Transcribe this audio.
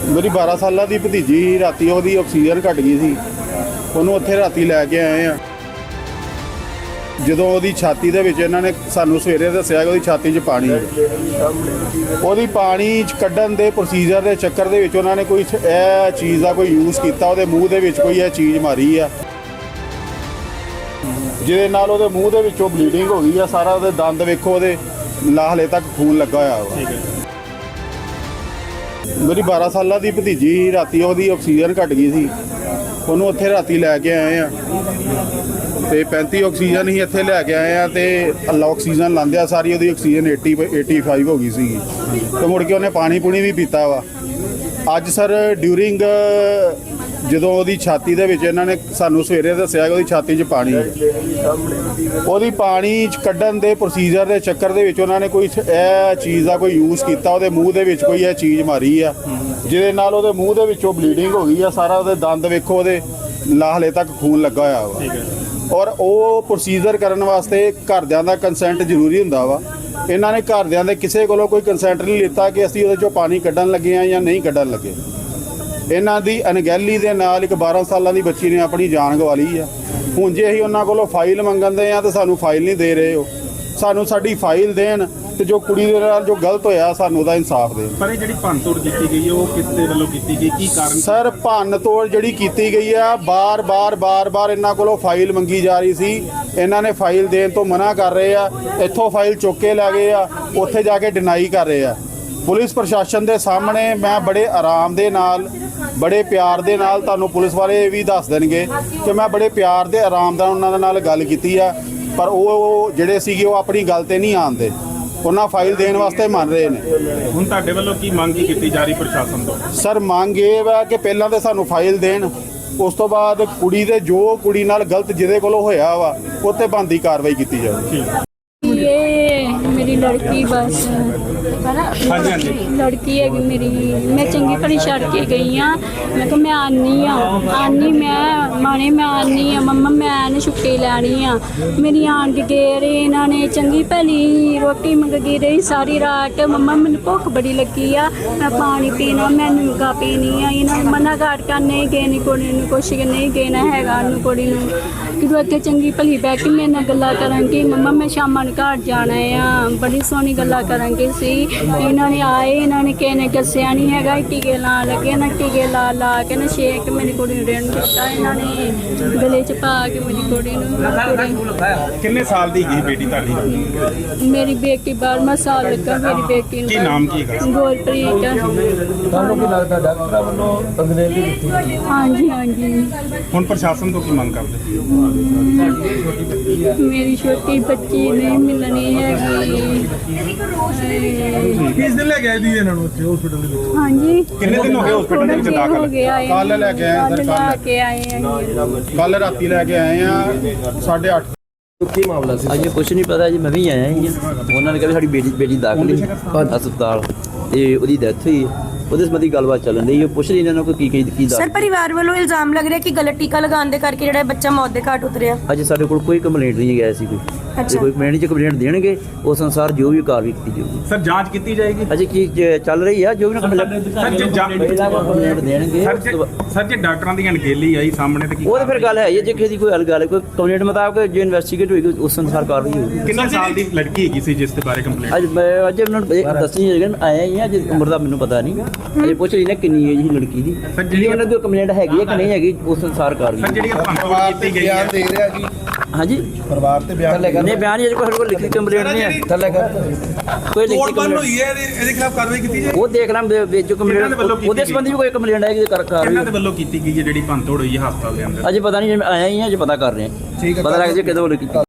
ਮੇਰੀ 12 ਸਾਲਾਂ ਦੀ ਭਤੀਜੀ ਰਾਤੀ ਉਹਦੀ ਆਕਸੀਜਨ ਘਟ ਗਈ ਸੀ। ਉਹਨੂੰ ਉੱਥੇ ਰਾਤੀ ਲੈ ਕੇ ਆਏ ਆ। ਜਦੋਂ ਉਹਦੀ ਛਾਤੀ ਦੇ ਵਿੱਚ ਇਹਨਾਂ ਨੇ ਸਾਨੂੰ ਸਵੇਰੇ ਦੱਸਿਆ ਕਿ ਉਹਦੀ ਛਾਤੀ 'ਚ ਪਾਣੀ ਹੈ। ਉਹਦੀ ਪਾਣੀ 'ਚ ਕੱਢਣ ਦੇ ਪ੍ਰੋਸੀਜਰ ਦੇ ਚੱਕਰ ਦੇ ਵਿੱਚ ਉਹਨਾਂ ਨੇ ਕੋਈ ਇਹ ਚੀਜ਼ ਦਾ ਕੋਈ ਯੂਜ਼ ਕੀਤਾ। ਉਹਦੇ ਮੂੰਹ ਦੇ ਵਿੱਚ ਕੋਈ ਇਹ ਚੀਜ਼ ਮਾਰੀ ਆ, ਜਿਹਦੇ ਨਾਲ ਉਹਦੇ ਮੂੰਹ ਦੇ ਵਿੱਚੋਂ ਬਲੀਡਿੰਗ ਹੋ ਗਈ ਆ। ਸਾਰਾ ਉਹਦੇ ਦੰਦ ਵੇਖੋ, ਉਹਦੇ ਹਲੇ ਤੱਕ ਖੂਨ ਲੱਗਾ ਹੋਇਆ ਵਾ। ਮੇਰੀ 12 ਸਾਲਾਂ ਦੀ ਭਤੀਜੀ ਰਾਤੀ ਉਹਦੀ ਆਕਸੀਜਨ ਘਟ ਗਈ ਸੀ। ਉਹਨੂੰ ਉੱਥੇ ਰਾਤੀ ਲੈ ਕੇ ਆਏ ਆ ਤੇ 35 ਆਕਸੀਜਨ ਹੀ ਇੱਥੇ ਲੈ ਕੇ ਆਏ ਆ ਤੇ ਆਕਸੀਜਨ ਲਾਂਦਿਆ ਸਾਰੀ ਉਹਦੀ ਆਕਸੀਜਨ 85 ਹੋ ਗਈ ਸੀਗੀ ਤੇ ਮੁੜ ਕੇ ਉਹਨੇ ਪਾਣੀ ਪੂਣੀ ਵੀ ਪੀਤਾ ਵਾ। ਅੱਜ ਸਰ ਡਿਊਰਿੰਗ ਜਦੋਂ ਉਹਦੀ ਛਾਤੀ ਦੇ ਵਿੱਚ ਇਹਨਾਂ ਨੇ ਸਾਨੂੰ ਸਵੇਰੇ ਦੱਸਿਆ ਕਿ ਉਹਦੀ ਛਾਤੀ 'ਚ ਪਾਣੀ ਹੈ। ਉਹਦੀ ਪਾਣੀ 'ਚ ਕੱਢਣ ਦੇ ਪ੍ਰੋਸੀਜਰ ਦੇ ਚੱਕਰ ਦੇ ਵਿੱਚ ਉਹਨਾਂ ਨੇ ਕੋਈ ਇਹ ਚੀਜ਼ ਦਾ ਕੋਈ ਯੂਜ਼ ਕੀਤਾ। ਉਹਦੇ ਮੂੰਹ ਦੇ ਵਿੱਚ ਕੋਈ ਇਹ ਚੀਜ਼ ਮਾਰੀ ਆ, ਜਿਹਦੇ ਨਾਲ ਉਹਦੇ ਮੂੰਹ ਦੇ ਵਿੱਚੋਂ ਬਲੀਡਿੰਗ ਹੋ ਗਈ ਆ। ਸਾਰਾ ਉਹਦੇ ਦੰਦ ਵੇਖੋ, ਉਹਦੇ ਹਲੇ ਤੱਕ ਖੂਨ ਲੱਗਾ ਹੋਇਆ ਵਾ। ਔਰ ਉਹ ਪ੍ਰੋਸੀਜਰ ਕਰਨ ਵਾਸਤੇ ਘਰਦਿਆਂ ਦਾ ਕੰਸੈਂਟ ਜ਼ਰੂਰੀ ਹੁੰਦਾ ਵਾ। ਇਹਨਾਂ ਨੇ ਘਰਦਿਆਂ ਦੇ ਕਿਸੇ ਕੋਲੋਂ ਕੋਈ ਕੰਸੈਂਟ ਨਹੀਂ ਲਿੱਤਾ ਕਿ ਅਸੀਂ ਉਹਦੇ 'ਚੋਂ ਪਾਣੀ ਕੱਢਣ ਲੱਗੇ ਆ ਜਾਂ ਨਹੀਂ ਕੱਢਣ ਲੱਗੇ। ਇਹਨਾਂ ਦੀ ਅਣਗਹਿਲੀ ਦੇ ਨਾਲ ਇੱਕ 12 ਸਾਲਾਂ ਦੀ ਬੱਚੀ ਨੇ ਆਪਣੀ ਜਾਨ ਗਵਾ ਲਈ ਆ। ਹੁਣ ਜੇ ਅਸੀਂ ਉਹਨਾਂ ਕੋਲੋਂ ਫਾਈਲ ਮੰਗਦੇ ਆ ਤਾਂ ਸਾਨੂੰ ਫਾਈਲ ਨਹੀਂ ਦੇ ਰਹੇ। ਉਹ ਸਾਨੂੰ ਸਾਡੀ ਫਾਈਲ ਦੇਣ ਤੇ ਜੋ ਕੁੜੀ ਦੇ ਨਾਲ ਜੋ ਗਲਤ ਹੋਇਆ ਸਾਨੂੰ ਉਹਦਾ ਇਨਸਾਫ ਦੇਣ। ਪਰ ਇਹ ਜਿਹੜੀ ਭੰਨਤੋੜ ਕੀਤੀ ਗਈ ਹੈ ਉਹ ਕਿਸ ਦੇ ਵੱਲੋਂ ਕੀਤੀ ਗਈ, ਕੀ ਕਾਰਨ? ਸਰ ਭੰਨਤੋੜ ਜਿਹੜੀ ਕੀਤੀ ਗਈ ਆ, ਬਾਰ-ਬਾਰ ਇਹਨਾਂ ਕੋਲੋਂ ਫਾਈਲ ਮੰਗੀ ਜਾ ਰਹੀ ਸੀ। ਇਹਨਾਂ ਨੇ ਫਾਈਲ ਦੇਣ ਤੋਂ ਮਨਾ ਕਰ ਰਹੇ ਆ। ਇੱਥੋਂ ਫਾਈਲ ਚੁੱਕ ਕੇ ਲੈ ਗਏ ਆ, ਉੱਥੇ ਜਾ ਕੇ ਡਿਨਾਈ ਕਰ ਰਹੇ ਆ। ਪੁਲਿਸ ਪ੍ਰਸ਼ਾਸਨ ਦੇ ਸਾਹਮਣੇ ਮੈਂ ਬੜੇ ਆਰਾਮ ਦੇ ਨਾਲ, ਬੜੇ ਪਿਆਰ ਦੇ ਨਾਲ, ਤੁਹਾਨੂੰ ਪੁਲਿਸ ਵਾਲੇ ਵੀ ਦੱਸ ਦੇਣਗੇ ਕਿ ਮੈਂ ਬੜੇ ਪਿਆਰ ਦੇ ਆਰਾਮ ਨਾਲ ਉਹਨਾਂ ਦੇ ਨਾਲ ਗੱਲ ਕੀਤੀ ਆ। ਪਰ ਉਹ ਜਿਹੜੇ ਸੀਗੇ ਉਹ ਆਪਣੀ ਗੱਲ ਤੇ ਨਹੀਂ ਆਉਂਦੇ। ਉਹਨਾਂ ਫਾਈਲ ਦੇਣ ਵਾਸਤੇ ਮੰਨ ਰਹੇ ਨੇ। ਹੁਣ ਤੁਹਾਡੇ ਵੱਲੋਂ ਕੀ ਮੰਗ ਕੀਤੀ ਜਾ ਰਹੀ ਪ੍ਰਸ਼ਾਸਨ ਤੋਂ? ਸਰ ਮੰਗ ਇਹ ਵਾ ਕਿ ਪਹਿਲਾਂ ਤਾਂ ਸਾਨੂੰ ਫਾਈਲ ਦੇਣ, ਉਸ ਤੋਂ ਬਾਅਦ ਕੁੜੀ ਦੇ ਜੋ ਕੁੜੀ ਨਾਲ ਗਲਤ ਜਿਹਦੇ ਕੋਲੋਂ ਹੋਇਆ ਵਾ ਉੱਤੇ ਬਣਦੀ ਕਾਰਵਾਈ ਕੀਤੀ ਜਾਵੇ। ये मेरी लड़की बस लड़की है मेरी। मैं चंगी भली छड़ के गई हाँ। मैं तो मैं आनी मैं माने मैं आनी हाँ मम्मा मैं छुट्टी लैनी हाँ। मेरी आन के गए रहे इन्होंने चंगी भली रोटी मंगी रही सारी रात। मम्मा मैंने भुख बड़ी लगी आ, मैं पानी पीना, मैं नुगा पीनी है। इन्होंने मना कर नहीं गए कुड़ी कुछ नहीं गेना है कुड़ी कि इतने चंगी भली बह के मेरे नाल गल्लां करांगी। मम्मा मैं शामां नूं घर जाना है, बड़ी सोहनी गल्लां करांगी सी। इन्होंने आए, इन्होंने किसी ने दस्सिया नहीं हैगा, टीके ला लगे ना, टीके ला के ना शेक मेरी कुड़ी नूं देण दित्ता। इन्होंने गले च पा के मेरी कुड़ी नूं। किन्ने साल दी है बेटी ਤੁਹਾਡੀ? मेरी बेटी 12वां साल लगा मेरी बेटी ਕੀ ਨਾਮ ਕੀ ਹੈ? गुरप्रीत। ਤੁਹਾਨੂੰ ਕੀ ਲੱਗਦਾ ਡਾਕਟਰਾਂ ਵੱਲੋਂ ਅੰਗਰੇਜ਼ੀ ਦਿੱਤੀ? हाँ जी ਹੁਣ ਪ੍ਰਸ਼ਾਸਨ ਤੋਂ ਕੀ ਮੰਗ ਕਰਦੇ? मेरी छोटी बच्ची नहीं मिलनी हैगी। ਕਿਸ ਦਿਨ ਲੈ ਕੇ ਆਏ ਦੀ ਇਹਨਾਂ ਨੂੰ ਉੱਥੇ ਹਸਪੀਟਲ ਦੇ ਵਿੱਚ? हाँ जी ਕਿੰਨੇ ਦਿਨ ਹੋ ਗਏ ਹਸਪੀਟਲ ਦੇ ਵਿੱਚ ਦਾਖਲ? हो गया है। ਕੱਲ੍ਹ ਲੈ ਕੇ ਆਏ ਸਰ, लेके आए हैं। ਕੱਲ ਰਾਤੀ ਲੈ ਕੇ ਆਏ ਆ 8:30। ਕੀ ਮਾਮਲਾ ਸੀ? ਅਜੇ ਕੁਛ ਨਹੀਂ ਪਤਾ ਜੀ, ਮੈਂ ਵੀ ਆਇਆ ਹੀ ਆ। ਉਹਨਾਂ ਨੇ ਕਿਹਾ ਸਾਡੀ ਬੇਟੀ ਦਾਖਲ ਹੈ ਹਸਪਤਾਲ ਤੇ ਉਹਦੀ ਡੈਥ ਹੋਈ ਹੈ। ਉਹਦੇ ਸੰਬੰਧੀ ਗੱਲਬਾਤ ਚੱਲਣ ਦੀ। ਉਹ ਪੁੱਛ ਰਹੀ ਇਹਨਾਂ ਨੂੰ ਕਿ ਕੀ ਸਰ ਪਰਿਵਾਰ ਵੱਲੋਂ ਇਲਜ਼ਾਮ ਲੱਗ ਰਿਹਾ ਕਿ ਗਲਤ ਟੀਕਾ ਲਗਾਉਣ ਦੇ ਕਰਕੇ ਜਿਹੜਾ ਬੱਚਾ ਮੌਤ ਦੇ ਘਾਟ ਉਤਰਿਆ। ਅਜੇ ਸਾਡੇ ਕੋਲ ਕੋਈ ਕੰਪਲੇਂਟ ਨਹੀਂ ਗਿਆ ਸੀ। ਜੇ ਕੋਈ ਕੰਪਲੇਂਟ ਦੇਣਗੇ ਉਸ ਅਨੁਸਾਰ ਜੋ ਵੀ ਕਾਰਵਾਈ ਕੀਤੀ ਜਾਊਗੀ। ਸਰ ਜਾਂਚ ਕੀਤੀ ਜਾਏਗੀ? ਅਜੇ ਕੀ ਚੱਲ ਰਹੀ ਆ, ਜੋ ਵੀ ਕੰਪਲੇਂਟ ਦੇਣਗੇ। ਸਰ ਜੇ ਡਾਕਟਰਾਂ ਦੀ ਅਣਗਹਿਲੀ ਆਈ ਸਾਹਮਣੇ ਤੇ ਕੀ? ਉਹ ਤਾਂ ਫਿਰ ਗੱਲ ਹੈ ਜੇ ਕਿਸੇ ਦੀ ਕੋਈ ਗੱਲ ਕੋਈ ਕੰਪਲੇਂਟ ਮੁਤਾਬਕ ਜੋ ਇਨਵੈਸਟੀਗੇਟ ਹੋਏਗੀ ਉਸ ਅਨੁਸਾਰ ਕਾਰਵਾਈ ਹੋਊਗੀ। ਕਿੰਨੇ ਸਾਲ ਦੀ ਲੜਕੀ ਹੈਗੀ ਸੀ ਜਿਸ ਦੇ ਬਾਰੇ ਕੰਪਲੇਂਟ? ਅੱਜ ਉਹਨਾਂ ਨੂੰ ਦੱਸੀ ਜਾਏਗਾ। ਆਇਆ ਹੀ ਆ, ਜੇ ਉਮਰ ਦਾ ਮੈਨੂੰ ਪਤਾ ਨਹੀਂ। ਅਜੇ ਪੁੱਛ ਰਹੀ ਨਾ ਕਿੰਨੀ ਏਜ ਸੀ ਲੜਕੀ ਦੀ। ਜਿਹੜੀ ਉਹਨਾਂ ਦੀ ਕੰਪਲੇਂਟ ਹੈਗੀ ਹੈ ਕਿ ਨਹੀਂ ਹੈਗੀ ਉਸ ਅਨੁਸਾਰ ਕਾਰਵਾਈ। ਸਰ ਜਿਹੜੀ ਭੰਨਤੋੜ ਕੀਤੀ ਗਈ ਹੈ ਦੇ ਰਿਹਾ ਕਿ ਹਾਂਜੀ ਪਰਿਵਾਰ ਤੇ ਬਿਆਨ ਨਹੀਂ ਬਿਆਨ ਅਜੇ ਕੋਈ ਲਿਖੀ ਕੰਪਲੇਂਟ ਨਹੀਂ ਹੈ। ਥੱਲੇ ਕਰ ਕੋਈ ਲਿਖੀ ਕੰਪਲੇਂਟ ਹੋਈ ਹੈ ਇਹਦੇ ਖਿਲਾਫ ਕਾਰਵਾਈ ਕੀਤੀ ਜਾਏ। ਉਹ ਦੇਖ ਲਾਂ ਜੋ ਕੰਪਲੇਂਟ ਉਹਦੇ ਸੰਬੰਧੀ ਵੀ ਕੋਈ ਕੰਪਲੇਂਟ ਆਏਗੀ ਕਰ ਇਹਨਾਂ ਦੇ ਵੱਲੋਂ ਕੀਤੀ ਗਈ ਹੈ ਜਿਹੜੀ ਭੰਨਤੋੜ ਹੋਈ ਹੈ ਹਸਪਤਾਲ ਦੇ ਅੰਦਰ? ਅਜੇ ਪਤਾ ਨਹੀਂ, ਆਇਆ ਹੀ ਹਾਂ, ਅਜੇ ਪਤਾ ਕਰ ਰਹੇ ਹਾਂ। ਪਤਾ ਲੱਗ ਜੇ ਕਿਦੋਂ ਵੱਲੋਂ ਕੀਤੀ।